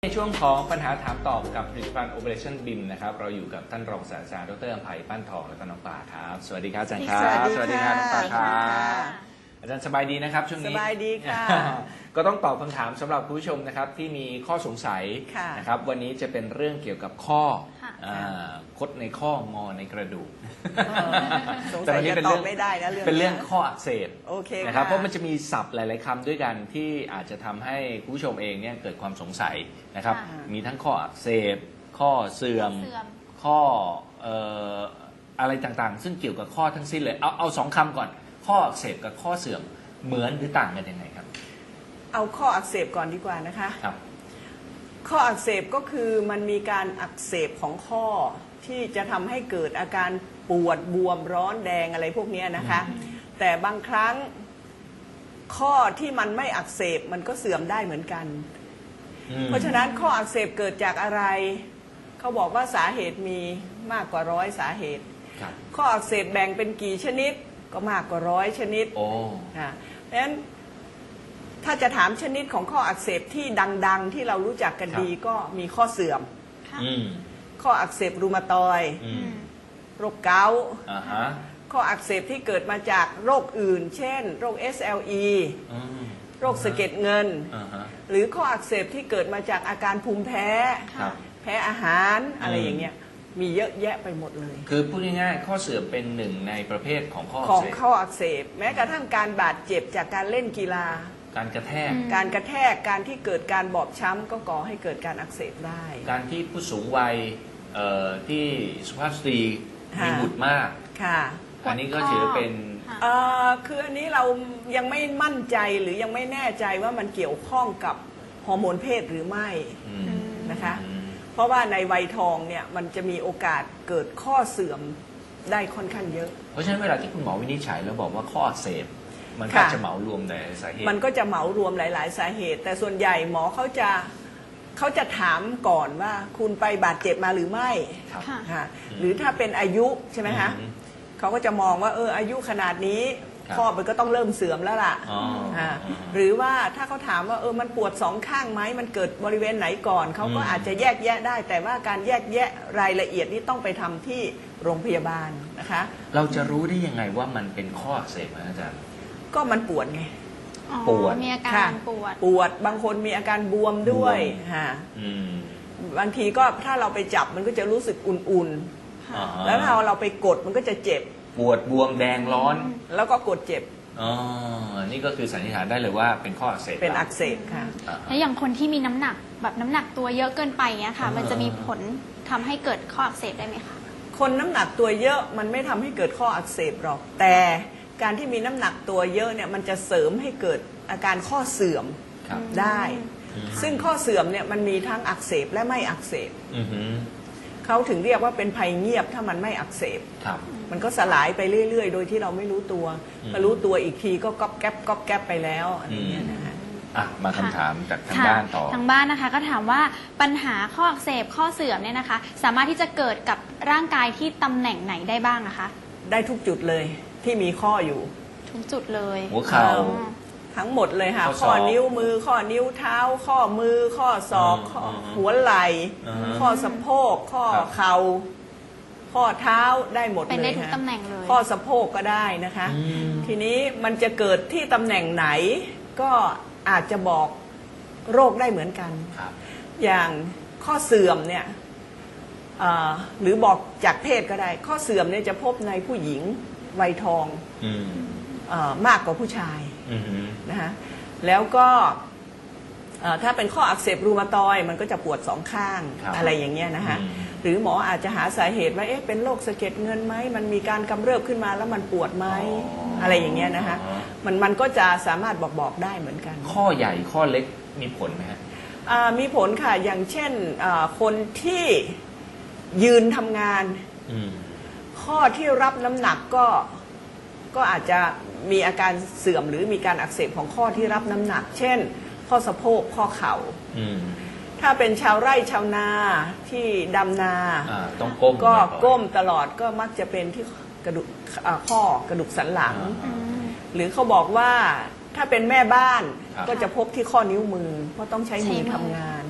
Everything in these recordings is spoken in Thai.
ในช่วงของปัญหาถามตอบกับผลิตภัณฑ์ Operation BIM นะครับเราอยู่กับท่านรองศาสตราจารย์ดร.อำไพปั้นทองและก็น้องป่าครับสวัสดีครับอาจารย์ครับสวัสดีครับน้องป่าครับอาจารย์สบายดีนะครับช่วงนี้สบายดีค่ะก็ต้องตอบคำถามสำหรับคุณผู้ชมนะครับที่มีข้อสงสัยนะครับวันนี้จะเป็นเรื่องเกี่ยวกับข้อคดในข้องอในกระดูกแต่วันนี้เป็นเรื่องไม่ได้นะเป็นเรื่องข้ออักเสบโอเคนะครับเพราะมันจะมีศัพท์หลายๆคำด้วยกันที่อาจจะทำให้คุณผู้ชมเองเนี่ยเกิดความสงสัยนะครับมีทั้งข้ออักเสบข้อเสื่อมข้ออะไรต่างๆซึ่งเกี่ยวกับข้อทั้งสิ้นเลยเอาสองคำก่อนข้ออักเสบกับข้อเสื่อมเหมือนหรือต่างกันยังไงครับเอาข้ออักเสบก่อนดีกว่านะคะครับข้ออักเสบก็คือมันมีการอักเสบของข้อที่จะทำให้เกิดอาการปวดบวมร้อนแดงอะไรพวกนี้นะคะแต่บางครั้งข้อที่มันไม่อักเสบมันก็เสื่อมได้เหมือนกันเพราะฉะนั้นข้ออักเสบเกิดจากอะไรเขาบอกว่าสาเหตุมีมากกว่า100สาเหตุข้ออักเสบแบ่งเป็นกี่ชนิดก็มากกว่า100ชนิดเพราะฉะนั้นถ้าจะถามชนิดของข้ออักเสบที่ดังๆที่เรารู้จักกันดีก็มีข้อเสื่อมข้ออักเสบรูมาตอยด์โรคเกาต์ข้ออักเสบที่เกิดมาจากโรคอื่นเช่นโรค SLE โรคสะเก็ดเงินหรือข้ออักเสบที่เกิดมาจากอาการภูมิแพ้แพ้อาหารอะไรอย่างเงี้ยมีเยอะแยะไปหมดเลยคือพูดง่ายๆข้อเสื่อมเป็นหนึ่งในประเภทของข้ออักเสบแม้กระทั่งการบาดเจ็บจากการเล่นกีฬาการกระแทกการที่เกิดการบอบช้ำก็ก่อให้เกิดการอักเสบได้การที่ผู้สูงวัยที่สุภาพสตรีมีบุตรมากอันนี้ก็ถือเป็นคืออันนี้เรายังไม่มั่นใจหรือยังไม่แน่ใจว่ามันเกี่ยวข้องกับฮอร์โมนเพศหรือไม่นะคะเพราะว่าในวัยทองเนี่ยมันจะมีโอกาสเกิดข้อเสื่อมได้ค่อนข้างเยอะเพราะฉะนั้นเวลาที่คุณหมอวินิจฉัยแล้วบอกว่าข้ออักเสบมันก็จะเหมารวมหลายสาเหตุมันก็จะเหมารวมหลายๆสาเหตุแต่ส่วนใหญ่หมอเขาจะถามก่อนว่าคุณไปบาดเจ็บมาหรือไม่หรือถ้าเป็นอายุใช่ไหมคะเขาก็จะมองว่าอายุขนาดนี้ข้อมันก็ต้องเริ่มเสื่อมแล้วล่ะหรือว่าถ้าเขาถามว่ามันปวดสองข้างไหมมันเกิดบริเวณไหนก่อนเขาก็อาจจะแยกแยะได้แต่ว่าการแยกแยะรายละเอียดนี้ต้องไปทำที่โรงพยาบาลนะคะเราจะรู้ได้ยังไงว่ามันเป็นข้ออักเสบอาจารย์ก็มันปวดไงปวดมีอาการปวดบางคนมีอาการบวมด้วยบางทีก็ถ้าเราไปจับมันก็จะรู้สึกอุ่นๆแล้วถ้าเราไปกดมันก็จะเจ็บปวดบวมแดงร้อนแล้วก็กดเจ็บนี่ก็คือสันนิษฐานได้เลยว่าเป็นข้ออักเสบเป็นอักเสบค่ะแล้วอย่างคนที่มีน้ำหนักแบบน้ำหนักตัวเยอะเกินไปเนี้ยค่ะมันจะมีผลทำให้เกิดข้ออักเสบได้ไหมคะคนน้ำหนักตัวเยอะมันไม่ทำให้เกิดข้ออักเสบหรอกแต่การที่มีน้ำหนักตัวเยอะเนี่ยมันจะเสริมให้เกิดอาการข้อเสื่อมได้ซึ่งข้อเสื่อมเนี่ยมันมีทั้งอักเสบและไม่อักเสบเขาถึงเรียกว่าเป็นภัยเงียบถ้ามันไม่อักเสบมันก็สลายไปเรื่อยๆโดยที่เราไม่รู้ตัวพอรู้ตัวอีกทีก็ก๊อบแก๊บไปแล้วอะไรอย่างเงี้ยนะคะมาคำถามจากทางบ้านต่อทางบ้านนะคะก็ถามว่าปัญหาข้ออักเสบข้อเสื่อมเนี่ยนะคะสามารถที่จะเกิดกับร่างกายที่ตำแหน่งไหนได้บ้างนะคะได้ทุกจุดเลยที่มีข้ออยู่ทุกจุดเลยหัวเข่าทั้งหมดเลยค่ะข้อนิ้วมือข้อนิ้วเท้าข้อมือข้อศอกหัวไหล่ข้อสะโพกข้อเข่าข้อเท้าได้หมดเลยเป็นได้ทุกตำแหน่งเลยข้อสะโพกก็ได้นะคะทีนี้มันจะเกิดที่ตำแหน่งไหนก็อาจจะบอกโรคได้เหมือนกันอย่างข้อเสื่อมเนี่ยหรือบอกจากเพศก็ได้ข้อเสื่อมเนี่ยจะพบในผู้หญิงวัยทองมากกว่าผู้ชายนะคะแล้วก็ถ้าเป็นข้ออักเสบรูมาตอยด์มันก็จะปวดสองข้างอะไรอย่างเงี้ยนะคะหรือหมออาจจะหาสาเหตุว่าเป็นโรคสะเก็ดเงินไหมมันมีการกำเริบขึ้นมาแล้วมันปวดไหมอะไรอย่างเงี้ยนะคะมันก็จะสามารถบอกได้เหมือนกันข้อใหญ่ข้อเล็กมีผลไหมฮะมีผลค่ะอย่างเช่นคนที่ยืนทำงานข้อที่รับน้ำหนักก็อาจจะมีอาการเสื่อมหรือมีการอักเสบของข้อที่รับน้ำหนักเช่นข้อสะโพกข้อเข่าถ้าเป็นชาวไร่ชาวนาที่ดำนาต้องก้มก็ก้มตลอดก็มักจะเป็นที่กระดูกข้อกระดูกสันหลังหรือเขาบอกว่าถ้าเป็นแม่บ้านก็จะพบที่ข้อนิ้วมือเพราะต้องใช้มือทำงาน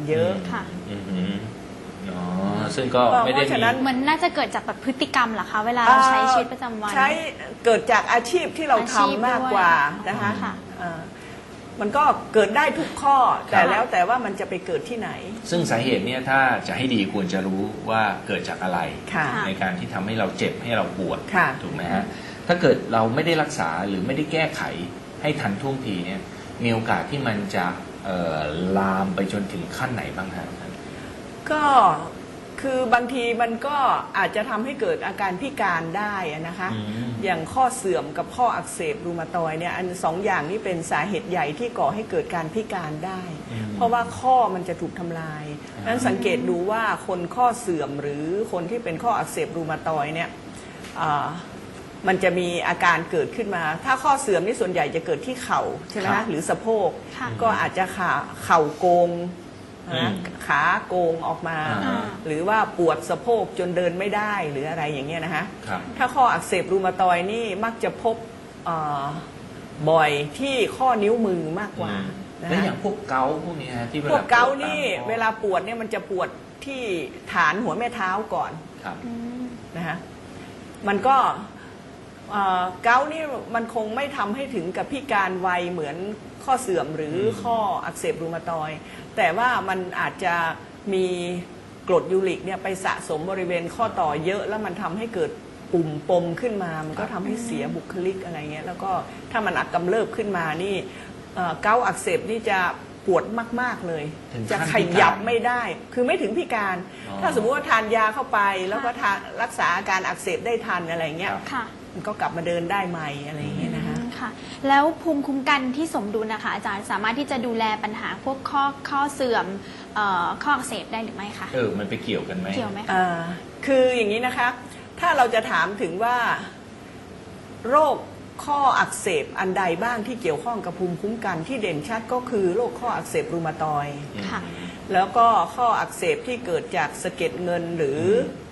เยอะค่ะอ๋อซึ่งก็ไม่ได้เพราะฉะนั้นเหมือนน่าจะเกิดจากแบบพฤติกรรมเหรอคะเวลาเราใช้ชีวิตประจำวันใช้เกิดจากอาชีพที่เราอาชีพทำมากกว่าด้วยนะคะค่ะมันก็เกิดได้ทุกข้อแต่แล้วแต่ว่ามันจะไปเกิดที่ไหนซึ่งสาเหตุเนี่ยถ้าจะให้ดีควรจะรู้ว่าเกิดจากอะไรค่ะในการที่ทำให้เราเจ็บให้เราปวดค่ะถูกไหมฮะถ้าเกิดเราไม่ได้รักษาหรือไม่ได้แก้ไขให้ทันท่วงทีเนี่ยมีโอกาสที่มันจะลามไปจนถึงขั้นไหนบ้างฮะก็คือบางทีมันก็อาจจะทำให้เกิดอาการพิการได้อะนะคะ อย่างข้อเสื่อมกับข้ออักเสบรูมาตอยเนี่ยอันสองอย่างนี้เป็นสาเหตุใหญ่ที่ก่อให้เกิดการพิการได้ เพราะว่าข้อมันจะถูกทำลายนั้นสังเกตดูว่าคนข้อเสื่อมหรือคนที่เป็นข้ออักเสบรูมาตอยเนี่ยมันจะมีอาการเกิดขึ้นมา ถ้าข้อเสื่อมนี่ส่วนใหญ่จะเกิดที่เข่าใช่ไหมครัคะบหรือสะโพกค่ะก็อาจจะเข่าโกงนะอืมขาโกงออกมาอ่าหรือว่าปวดสะโพกจนเดินไม่ได้หรืออะไรอย่างเงี้ยนะคะครับถ้าข้ออักเสบรูมาตอยนี่มักจะพบบ่อยที่ข้อนิ้วมือมากกว่านะแล้วอคะย่างพวกเกาต์พวกนี้ฮะที่พวกเกาต์ปดตมนี่ข้อเวลาปวดเนี่ยมันจะปวดที่ฐานหัวแม่เท้าก่อนครับอืมนะคะมันก็เกาต์นี่มันคงไม่ทำให้ถึงกับพิการไวเหมือนข้อเสื่อมหรือข้ออักเสบรูมาตอยด์แต่ว่ามันอาจจะมีกรดยูริกเนี่ยไปสะสมบริเวณข้อต่อเยอะแล้วมันทำให้เกิดปุ่มปมขึ้นมา มันก็ทำให้เสียบุคลิกอะไรเงี้ยแล้วก็ถ้ามันอักกำเริบขึ้นมานี่เกาต์อักเสบนี่จะปวดมากๆเลยถึงขั้นจะขยับไม่ได้คือไม่ถึงพิการอ๋อถ้าสมมติว่าทานยาเข้าไปแล้วก็รักษาอาการอักเสบได้ทันอะไรเงี้ยครับค่ะมันก็กลับมาเดินได้ใหม่อะไรอย่างเงี้ยนะคะค่ะ แล้วภูมิคุ้มกันที่สมดุลนะคะอาจารย์สามารถที่จะดูแลปัญหาพวกข้อเสื่อมข้ออักเสบได้หรือไม่คะมันไปเกี่ยวกันไหมเกี่ยวไหมคะคืออย่างนี้นะคะ ถ้าเราจะถามถึงว่าโรคข้ออักเสบอันใดบ้างที่เกี่ยวข้องกับภูมิคุ้มกันที่เด่นชัดก็คือโรคข้ออักเสบรูมาตอยด์ค่ะแล้วก็ข้ออักเสบที่เกิดจากสะเก็ดเงินหรือ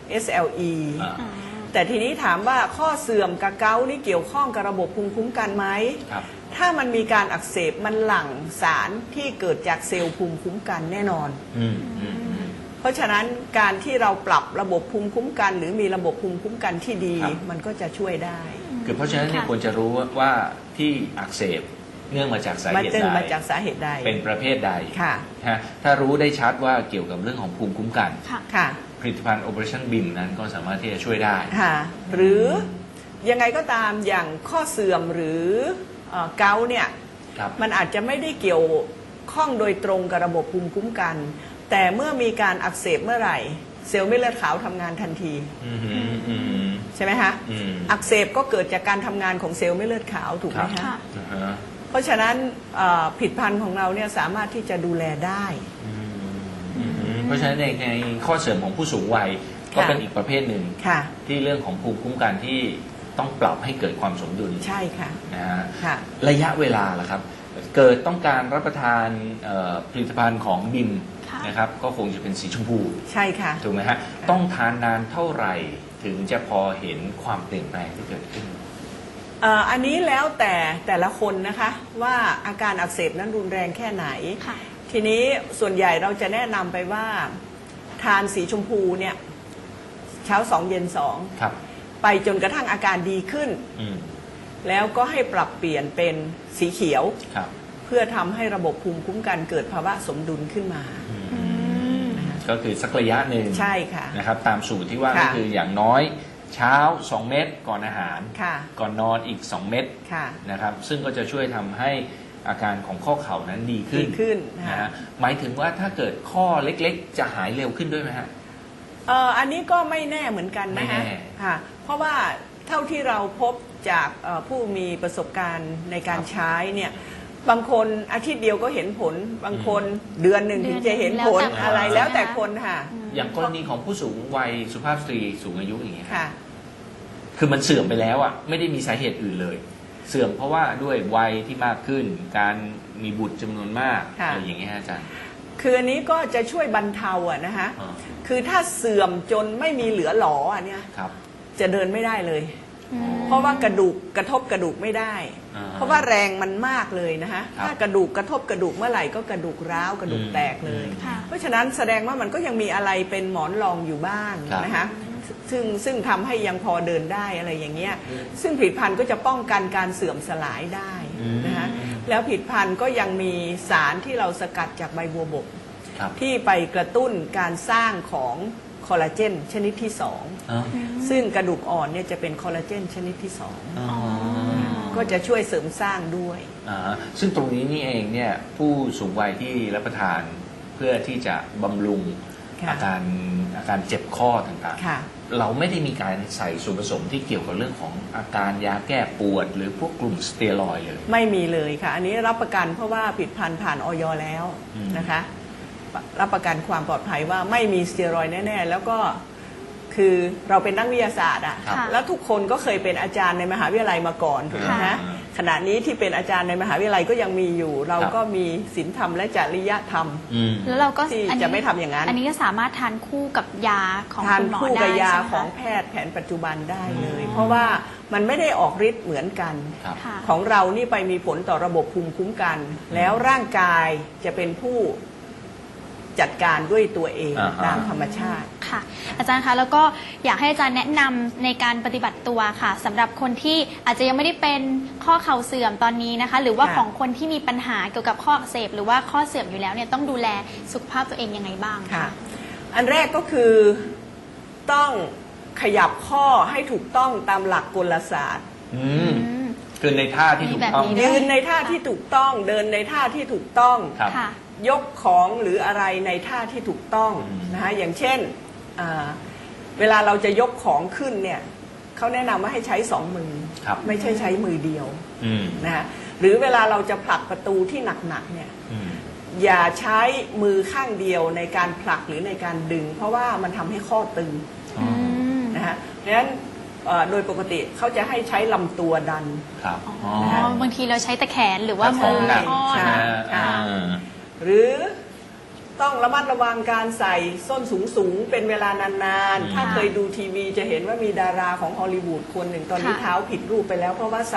SLE อ่าแต่ทีนี้ถามว่าข้อเสื่อมกับเกาต์นี่เกี่ยวข้องกับระบบภูมิคุ้มกันไหมครับถ้ามันมีการอักเสบมันหลั่งสารที่เกิดจากเซลล์ภูมิคุ้มกันแน่นอนอืมเพราะฉะนั้นการที่เราปรับระบบภูมิคุ้มกัน หรือมีระบบภูมิคุ้มกันที่ดีครับมันก็จะช่วยได้คือเพราะฉะนั้นเนี่ยค่ะควรจะรู้ว่าที่อักเสบเนื่องมาจากสามันเหตุจึงใดมาจากสาเหตุใดเป็นประเภทใดค่ะฮะถ้ารู้ได้ชัดว่าเกี่ยวกับเรื่องของภูมิคุ้มกันค่ะค่ะผลิตภัณฑ์ Operation BIM นั้นก็สามารถที่จะช่วยได้ค่ะ หรือยังไงก็ตามอย่างข้อเสื่อมหรือเกาต์เนี่ยครับมันอาจจะไม่ได้เกี่ยวข้องโดยตรงกับระบบภูมิคุ้มกัน แต่เมื่อมีการอักเสบเมื่อไหร่ เซลล์เม็ดเลือดขาวทำงานทันทีอืมอืมใช่ไหมคะอืมอักเสบก็เกิดจากการทำงานของเซลล์เม็ดเลือดขาวถูกไหมครัคะบ อ่าฮะเพราะฉะนั้นผลิตภัณฑ์ของเราเนี่ยสามารถที่จะดูแลได้เพราะฉะนั้นในข้อเสริมของผู้สูงวัยก็ค่ะเป็นอีกประเภทหนึ่งค่ะที่เรื่องของภูมิคุ้มกันที่ต้องปรับให้เกิดความสมดุลใช่ค่ะนะฮะค่ะระยะเวลาล่ะครับ เกิดต้องการรับประทานผลิตภัณฑ์ของบิมค่ะนะครับก็คงจะเป็นสีชมพูใช่ค่ะถูกไหมฮะต้องทานนานเท่าไหร่ถึงจะพอเห็นความเปลี่ยนแปลงที่เกิดขึ้นอันนี้แล้วแต่ละคนนะคะว่าอาการอักเสบนั้นรุนแรงแค่ไหนค่ะทีนี้ส่วนใหญ่เราจะแนะนำไปว่าทานสีชมพูเนี่ยเช้า2เย็นครับ 2ไปจนกระทั่งอาการดีขึ้นอืมแล้วก็ให้ปรับเปลี่ยนเป็นสีเขียวครับเพื่อทำให้ระบบภูมิคุ้มกันเกิดภาวะสมดุลขึ้นมาอืมก็คือสักระยะหนึ่งใช่ค่ะนะครับตามสูตรที่ว่าค่ะก็คืออย่างน้อยเช้า 2 เม็ดก่อนอาหารค่ะก่อนนอนอีก 2 เม็ดค่ะนะครับซึ่งก็จะช่วยทำให้อาการของข้อเข่านั้นดีขึ้นดีขึ้นนะค่ะฮะหมายถึงว่าถ้าเกิดข้อเล็กๆ จะหายเร็วขึ้นด้วยไหมฮะอันนี้ก็ไม่แน่เหมือนกันนะคะไม่แน่ค่ะเพราะว่าเท่าที่เราพบจากผู้มีประสบการณ์ในการใช้เนี่ยบางคนอาทิตย์เดียวก็เห็นผล บางคนเดือนหนึ่งถึงจะเห็นผลแล้วแต่คนอะไรใช่ไหมแล้วแต่คะคนค่ะอย่างกรณีของผู้สูงวัยสุภาพสตรีสูงอายุอย่างเงี้ยค่ะคือมันเสื่อมไปแล้วอ่ะไม่ได้มีสาเหตุอื่นเลย เสื่อมเพราะว่าด้วยวัยที่มากขึ้น การมีบุตรจำนวนมากค่ะอะไรอย่างเงี้ยฮะอาจารย์คืออันนี้ก็จะช่วยบรรเทาอะนะคะอ่าคือถ้าเสื่อมจนไม่มีเหลือหลออันเนี้ยครับจะเดินไม่ได้เลยเพราะว่ากระดูกกระทบกระดูกไม่ได้อ่าเพราะว่าแรงมันมากเลยนะคะครับถ้ากระดูกกระทบกระดูกเมื่อไหร่ก็กระดูกร้าวกระดูกแตกเลยค่ะเพราะฉะนั้นแสดงว่ามันก็ยังมีอะไรเป็นหมอนรองอยู่บ้างครับนะคะซึ่งทำให้ยังพอเดินได้อะไรอย่างเงี้ยซึ่งผลิตภัณฑ์ก็จะป้องกันการเสื่อมสลายได้นะคะแล้วผลิตภัณฑ์ก็ยังมีสารที่เราสกัดจากใบบัวบกครับที่ไปกระตุ้นการสร้างของคอลลาเจนชนิดที่สองอ๋อซึ่งกระดูกอ่อนเนี่ยจะเป็นคอลลาเจนชนิดที่สองอ๋อก็จะช่วยเสริมสร้างด้วยอ่าซึ่งตรงนี้นี่เองเนี่ยผู้สูงวัยที่รับประทานเพื่อที่จะบำรุงค่ะอาการเจ็บข้อต่างค่ะๆ เราไม่ได้มีการใส่ส่วนผสมที่เกี่ยวกับเรื่องของอาการยาแก้ปวด หรือพวกกลุ่มสเตียรอยด์เลยไม่มีเลยค่ะ อันนี้รับประกันเพราะว่าผลิตภัณฑ์ผ่านออยแล้วอืมนะคะ รับประกันความปลอดภัยว่าไม่มีสเตียรอยด์แน่ ๆ แล้วก็คือเราเป็นนักวิทยาศาสตร์อะครับแล้วทุกคนก็เคยเป็นอาจารย์ในมหาวิทยาลัยมาก่อนถูกไหมค่ะฮะขณะนี้ที่เป็นอาจารย์ในมหาวิทยาลัยก็ยังมีอยู่ เราก็มีศีลธรรมและจริยธรรมอืมแล้วเราก็ที่จะไม่ทำอย่างนั้นอันนี้ก็สามารถทานคู่กับยาของทานคุณหมอคู่ได้กับยาใช่ไหมของคะแพทย์แผนปัจจุบันได้เลย เพราะว่ามันไม่ได้ออกฤทธิ์เหมือนกันครับค่ะของเรานี่ไปมีผลต่อระบบภูมิคุ้มกัน แล้วร่างกายจะเป็นผู้จัดการด้วยตัวเองอ่าฮะตามธรรมชาติค่ะ อาจารย์คะแล้วก็อยากให้อาจารย์แนะนำในการปฏิบัติตัวค่ะสำหรับคนที่อาจจะยังไม่ได้เป็นข้อเข่าเสื่อมตอนนี้นะคะ หรือว่าค่ะของคนที่มีปัญหาเกี่ยวกับข้ออักเสบหรือว่าข้อเสื่อมอยู่แล้วเนี่ยต้องดูแลสุขภาพตัวเองยังไงบ้างค่ะคะอันแรกก็คือต้องขยับข้อให้ถูกต้องตามหลักกลศาสตร์อืมคือในท่าที่ถูกต้องมีแบบนี้ยืนในท่าที่ถูกต้อง เดินในท่าที่ถูกต้องครับค่ะยกของหรืออะไรในท่าที่ถูกต้องอืมนะคะอย่างเช่นเวลาเราจะยกของขึ้นเนี่ยเขาแนะนำว่าให้ใช้สองมือครับไม่ใช่ใช้มือเดียวอืมนะคะหรือเวลาเราจะผลักประตูที่หนักๆเนี่ยอืมอย่าใช้มือข้างเดียวในการผลักหรือในการดึง เพราะว่ามันทำให้ข้อตึงอ๋อนะคะเพราะฉะนั้นโดยปกติเขาจะให้ใช้ลำตัวดันครับอ๋อบางทีเราใช้แต่แขนหรือว่าแต่ขมืองอหนักทอดใช่นะค่ะอ่าหรือต้องระมัดระวังการใส่ส้นสูงๆเป็นเวลานานๆ ถ้าเคยดูทีวีจะเห็นว่ามีดาราของฮอลลีวูดคนหนึ่งตอนนี้ค่ะเท้าผิดรูปไปแล้ว เพราะว่าใส่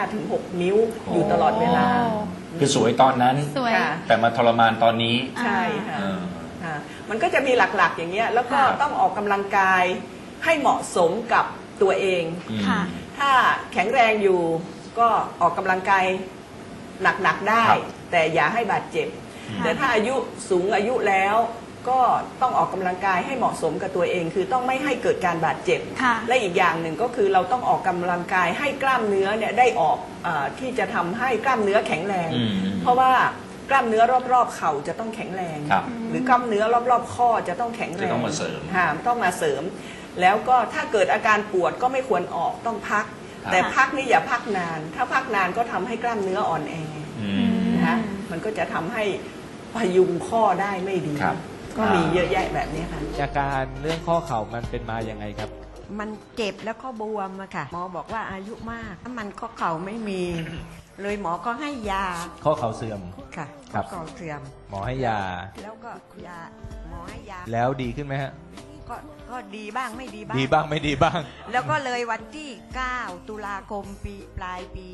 5-6 นิ้วอยู่ตลอดเวลาโอ้คือสวยตอนนั้นสวยค่ะแต่มาทรมานตอนนี้ใช่ค่ะเออค่ะมันก็จะมีหลักๆอย่างเงี้ยแล้วก็ครับต้องออกกำลังกายให้เหมาะสมกับตัวเองอืมค่ะถ้าแข็งแรงอยู่ก็ออกกำลังกายหนักๆได้ครับแต่อย่าให้บาดเจ็บค่ะแต่ถ้าอายุสูงอายุแล้วก็ต้องออกกำลังกายให้เหมาะสมกับตัวเอง คือต้องไม่ให้เกิดการบาดเจ็บค่ะและอีกอย่างหนึ่งก็คือเราต้องออกกำลังกายให้กล้ามเนื้อเนี่ยได้ออกที่จะทำให้กล้ามเนื้อแข็งแรงอืมเพราะว่ากล้ามเนื้อรอบๆเข่าจะต้องแข็งแรงครับหรือกล้ามเนื้อรอบๆข้อจะต้องแข็งแรงจะต้องมาเสริมค่ะต้องมาเสริม แล้วก็ถ้าเกิดอาการปวดก็ไม่ควรออกต้องพักครับแต่พักนี่อย่าพักนาน ถ้าพักนานก็ทำให้กล้ามเนื้ออ่อนแออืมนะคะมันก็จะทำให้พยุงข้อได้ไม่ดีครับก็มีเยอะแยะแบบนี้ค่ะอาการเรื่องข้อเข่ามันเป็นมาอย่างไงครับมันเจ็บแล้วก็บวมอะค่ะ หมอบอกว่าอายุมากถ้ามันข้อเข่าไม่มี เลยหมอก็ให้ยาข้อเข่าเสื่อมค่ะครับข้อเข่าเสื่อมหมอให้ยาแล้วก็ยาหมอให้ยาแล้วดีขึ้นไหมฮะก็ดีบ้างไม่ดีบ้างดีบ้างไม่ดีบ้างแล้วก็เลยวันที่ 9 ตุลาคมปลายปี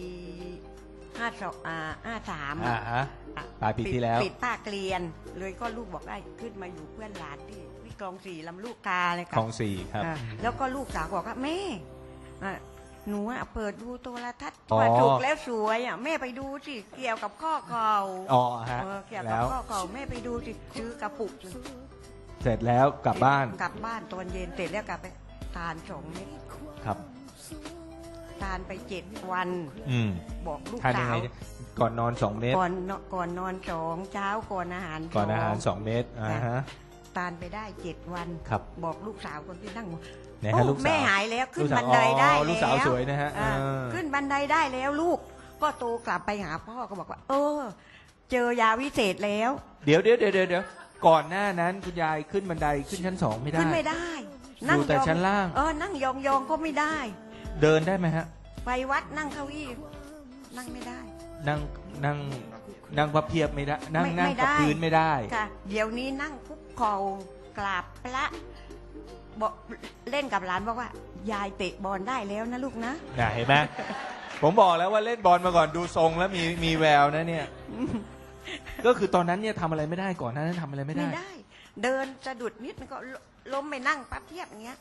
53 อ่าฮะ ปลายปีที่แล้วปิดภาคเรียน เลยก็ลูกบอกได้ขึ้นมาอยู่เพื่อนหลานที่คลองสี่ลำลูกกาเลยคค่ะลองสี่ครับอ่าแล้วก็ลูกสาวบอกว่าแม่อ่ะหนูอะเปิดดูโทรทัศน์อ๋อว่าถูกแล้วสวยอ่ะแม่ไปดูสิเกี่ยวกับข้อเข่าอ๋อฮะเกี่ยวกัแล้บวข้อเข่าแม่ไปดูสิซื้อกระปุกเสร็จแล้วกลับบ้านกลับบ้านตอนเย็นเสร็จแล้วกลับไปทาน2 เม็ดครับทานไป7 วันอืมบอกลูกทานยัสางไงวก่อนนอน2 เม็ดก่อนนอน2เช้าก่อนอาหารก่อนอาหาร 2 2 เม็ดอ่าฮะทานไปได้7 วันครับบอกลูกสาวคนที่นั่งไหนโอ้ฮะลูกสาวแม่หายแล้วขึ้นลูกสาวบันไดได้อ๋อแล้วลูกสาวสวยนะฮะอ่าเออขึ้นบันไดได้แล้วลูก ก็โตกลับไปหาพ่อก็บอกว่า เจอยาวิเศษแล้วเดี๋ยวก่อนหน้านั้นคุณยายขึ้นบันไดขึ้นชั้น 2 ไม่ได้ขึ้นไม่ได้อยู่แต่ชั้นล่างนั่งยองๆก็ไม่ได้เดินได้ไหมฮะไปวัดนั่งเก้าอี้นั่งไม่ได้นั่งพับเพียบไม่ได้นั่งไม่นั่งไม่กับได้พื้นไม่ได้ค่ะ เดี๋ยวนี้นั่งคุกเข่ากราบพระบอกเล่นกับหลานบอกว่า ยายเตะบอลได้แล้วนะลูกนะน่ะเห็นไหมผมบอกแล้วว่าเล่นบอลมาก่อนดูทรงแล้วมีแววนะเนี่ย ก็คือตอนนั้นเนี่ยทำอะไรไม่ได้ก่อนหนานั้นทำอะไรไม่ได้เดินสะดุดนิดมันก็ล้มไปนั่งปั๊บเทียบอย่างเงี้ย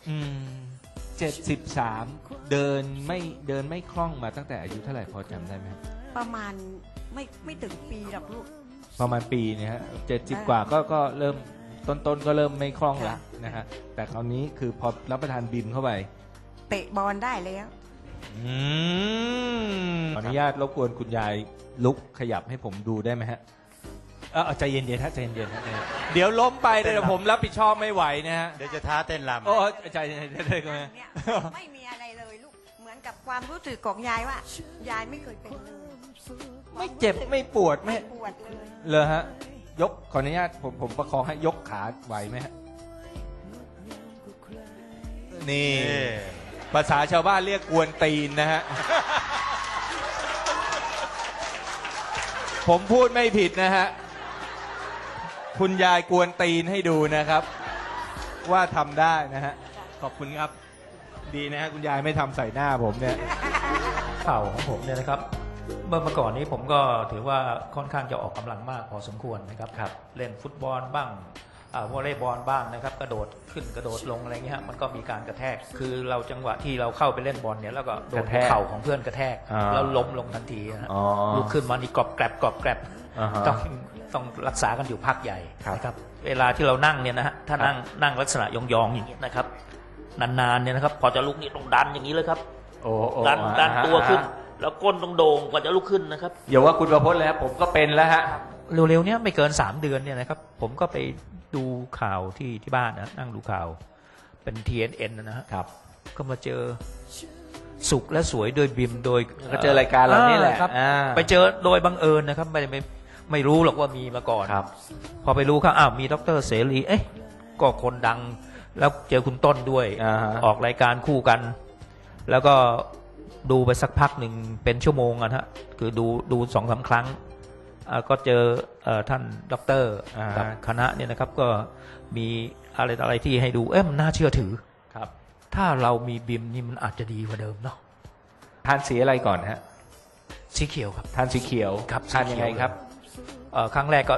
73เดินไม่คล่องมาตั้งแต่อายุเท่าไหร่พอจำได้ไหมประมาณไม่ถึงปีหรอกลูกประมาณปีเนี่ยฮะ70 กว่าก็เริ่มต้นก็เริ่มไม่คล่องละนะฮะแต่คราวนี้คือพอรับประทานบิมเข้าไปเตะบอลได้แล้วขออนุญาตรบกวนคุณยายลุกขยับให้ผมดูได้ไหมฮะเอาใจเย็นๆฮะใจเย็นๆฮะเดี๋ยวล้มไปเดี๋ยวผมรับผิดชอบไม่ไหวนะฮะเดี๋ยวจะท้าเต้นรำโอ้ใจเย็นๆได้ไหมเนี่ยไม่มีอะไรเลยลูก เหมือนกับความรู้สึกของยายว่า ยายไม่เคยเป็นเลยไม่เจ็บไม่ปวดไม่ปวดเลยเลยฮะยกขออนุญาตผมประคองให้ยกขาไหวไหมฮะนี่ภาษาชาวบ้านเรียกกวนตีนนะฮะ ผมพูดไม่ผิดนะฮะคุณยายกวนตีนให้ดูนะครับ ว่าทำได้นะฮะขอบคุณครับดีนะฮะคุณยายไม่ทำใส่หน้าผมเนี่ยเข่าของผมเนี่ยนะครับเมื่อก่อนนี้ผมก็ถือว่าค่อนข้างจะออกกำลังมากพอสมควรนะครับเล่นฟุตบอลบ้างวอลเลย์บอลบ้างนะครับกระโดดขึ้นกระโดดลงอะไรเงี้ยมันก็มีการกระแทกคือเราจังหวะที่เราเข้าไปเล่นบอลเนี่ยแล้วก็โดนเข่าของเพื่อนกระแทกแล้วล้มลงทันทีนะลุกขึ้นมานี่กรอบแกรบต้องรักษากันอยู่พักใหญ่นะครับเวลาที่เรานั่งเนี่ยนะฮะถ้านั่งลักษณะยองๆอย่างนี้นะครับนานๆเนี่ยนะครับพอจะลุกนี่ต้องดันอย่างนี้เลยครับดันตัวขึ้นแล้วก้นต้องโด่งกว่าจะลุกขึ้นนะครับอย่าว่าคุณประพจน์เลยครับผมก็เป็นแล้วฮะเร็วๆเนี้ยไม่เกิน3 เดือนเนี่ยนะครับผมก็ไปดูข่าวที่บ้านนะนั่งดูข่าวเป็น TNN นะฮะก็มาเจอสุขและสวยโดยบิมโดยก็เจอรายการเรานี่แหละครับไปเจอโดยบังเอิญนะครับไม่รู้หรอกว่ามีมาก่อนพอไปรู้ครับมีดร.เสรีก็คนดังแล้วเจอคุณต้นด้วยออกรายการคู่กัน แล้วก็ดูไปสักพักหนึ่งเป็นชั่วโมงนะฮะคือดู2-3 ครั้งก็เจอท่านด็อกเตอร์กับคณะเนี่ยนะครับก็มีอะไรที่ให้ดูมันน่าเชื่อถือครับถ้าเรามีบิมนี่มันอาจจะดีกว่าเดิมเนาะทานสีอะไรก่อนฮะสีเขียวครับทานสีเขียวครับทานยังไงครับครั้งแรกก็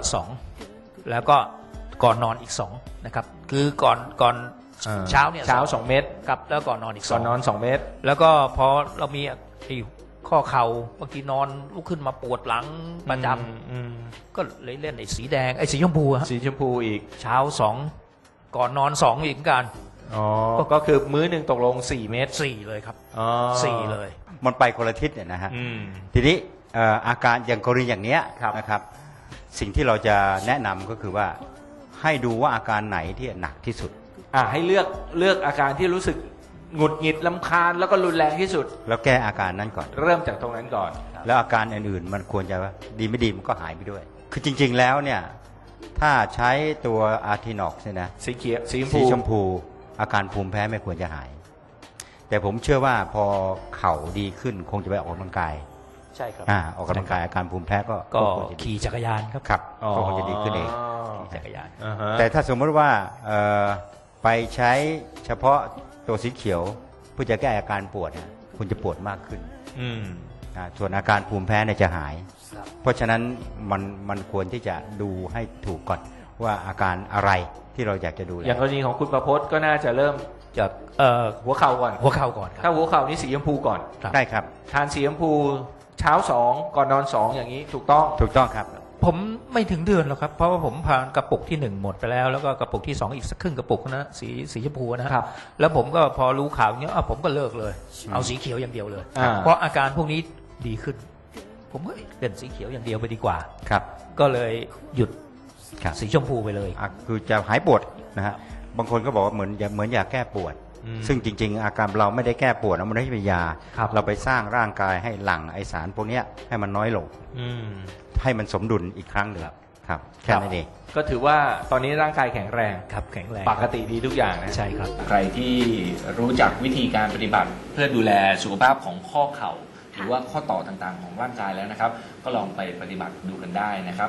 2แล้วก็ก่อนนอนอีก2นะครับคือก่อนเช้าเนี่ย 2 เม็ดครับแล้วก่อนนอนอีก2 ก่อนนอน2 เม็ดแล้วก็พอเรามีข้อเข่าบางทีนอนลุกขึ้นมาปวดหลังประจำก็เลยเล่นสีแดงสีชมพูสีชมพูอีกเช้า2ก่อนนอน2อีกกันก็คือมื้อหนึ่งตกลง4 เม็ด 4เลยครับ4เลยมันไปคนละทิศเนี่ยนะฮะทีนี้อาการอย่างกรณีอย่างเนี้ยนะครับสิ่งที่เราจะแนะนำก็คือว่าให้ดูว่าอาการไหนที่หนักที่สุดให้เลือกอาการที่รู้สึกหงุดหงิดรำคาญแล้วก็รุนแรงที่สุดแล้วแก้อาการนั้นก่อนเริ่มจากตรงนั้นก่อนแล้วอาการอื่นๆมันควรจะดีไม่ดีมันก็หายไปด้วยคือจริงๆแล้วเนี่ยถ้าใช้ตัวอาร์ทินอกเนี่ยนะสีเขียวสีชมพูอาการภูมิแพ้ไม่ควรจะหายแต่ผมเชื่อว่าพอเข่าดีขึ้นคงจะไปออกกำลังกายใช่ครับออกกำลังกายอาการภูมิแพ้ก็ขี่จักรยานครับก็คงจะดีขึ้นเองจักรยานแต่ถ้าสมมติว่าไปใช้เฉพาะตัวสีเขียวเพื่อจะแก้อาการปวดคุณจะปวดมากขึ้นส่วนอาการภูมิแพ้เนี่ยจะหายเพราะฉะนั้นมันควรที่จะดูให้ถูกก่อนว่าอาการอะไรที่เราอยากจะดูอย่างกรณีของคุณประพจน์ก็น่าจะเริ่มจากหัวเข่าก่อนถ้าหัวเข่านี่สีชมพูก่อนได้ครับทานสีชมพูเช้า2ก่อนนอน2อย่างนี้ถูกต้องครับผมไม่ถึงเดือนหรอกครับเพราะว่าผมผ่านกระปุกที่1หมดไปแล้วแล้วก็กระปุกที่2อีกสักครึ่งกระปุกนะสีชมพูนะครับแล้วผมก็พอรู้ข่าวอย่างนี้ผมก็เลิกเลยเอาสีเขียวอย่างเดียวเลยเพราะอาการพวกนี้ดีขึ้นผมก็เล่นสีเขียวอย่างเดียวไปดีกว่าครับก็เลยหยุดสีชมพูไปเลยคือจะหายปวดนะฮะบางคนก็บอกว่าเหมือนยาแก้ปวดซึ่งจริงๆอาการเราไม่ได้แก้ปวดมันไม่ได้เป็นยาเราไปสร้างร่างกายให้หลั่งไอสารพวกนี้ให้มันน้อยลงให้มันสมดุลอีกครั้งหนึ่งครับแค่นั้นเองก็ถือว่าตอนนี้ร่างกายแข็งแรงครับแข็งแรงปกติดีทุกอย่างนะใช่ครับใครที่รู้จักวิธีการปฏิบัติเพื่อดูแลสุขภาพของข้อเข่าหรือว่าข้อต่อต่างๆของร่างกายแล้วนะครับก็ลองไปปฏิบัติดูกันได้นะครับ